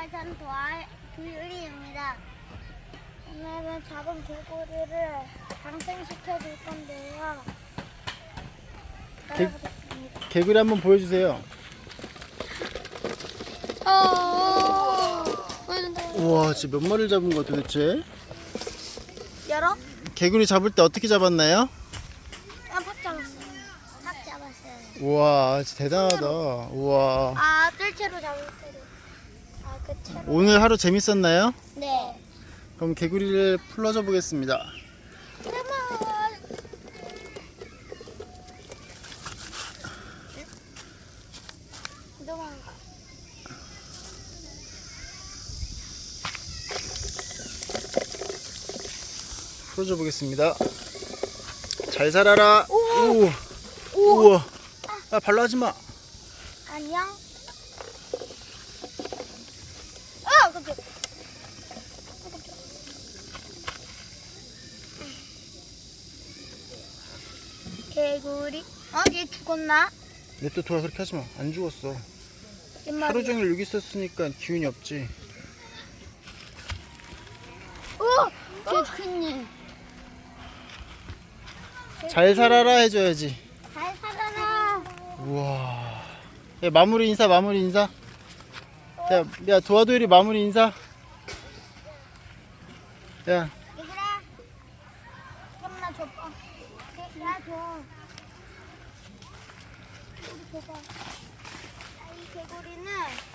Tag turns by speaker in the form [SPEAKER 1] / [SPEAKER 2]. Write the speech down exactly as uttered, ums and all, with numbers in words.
[SPEAKER 1] 안녕하세요. 저는 도아, 도유리입니다. 오늘은 작은 개구리를 방생시켜 줄 건데요.
[SPEAKER 2] 개-
[SPEAKER 1] 따라보겠습니다.
[SPEAKER 2] 개구리 한번 보여주세요.
[SPEAKER 1] 어, 보여준다.
[SPEAKER 2] 우와, 지금 몇 마리를 잡은 거 도대체?
[SPEAKER 1] 열어?
[SPEAKER 2] 개구리 잡을 때 어떻게 잡았나요?
[SPEAKER 1] 아, 팍 잡았어요. 팍 잡았어요.
[SPEAKER 2] 우와, 진짜 대단하다. 우와.
[SPEAKER 1] 아, 뜰채로 잡을 때로. 아, 그 채로.
[SPEAKER 2] 오늘 하루 재밌었나요?
[SPEAKER 1] 네.
[SPEAKER 2] 그럼 개구리를 풀러줘 보겠습니다.
[SPEAKER 1] 그러면 도망가.
[SPEAKER 2] 풀어줘 보겠습니다. 잘 살아라.
[SPEAKER 1] 오!
[SPEAKER 2] 오. 우와. 아, 발로 하지 마.
[SPEAKER 1] 안녕. 아, 깜짝이야. 개구리. 어, 얘 죽었나?
[SPEAKER 2] 내 또 돌아 그렇게 하지 마. 안 죽었어.
[SPEAKER 1] 옛말이야.
[SPEAKER 2] 하루 종일 여기 있었으니까 기운이 없지.
[SPEAKER 1] 어, 개 큰일.
[SPEAKER 2] 잘 살아라 해줘야지.
[SPEAKER 1] 잘 살아라.
[SPEAKER 2] 우와. 야, 마무리 인사, 마무리 인사. 야, 야, 도와도일이 마무리 인사. 야,
[SPEAKER 1] 얘들아, 좀만 줘봐. 나 줘. 우리 줘봐. 아, 이 개구리는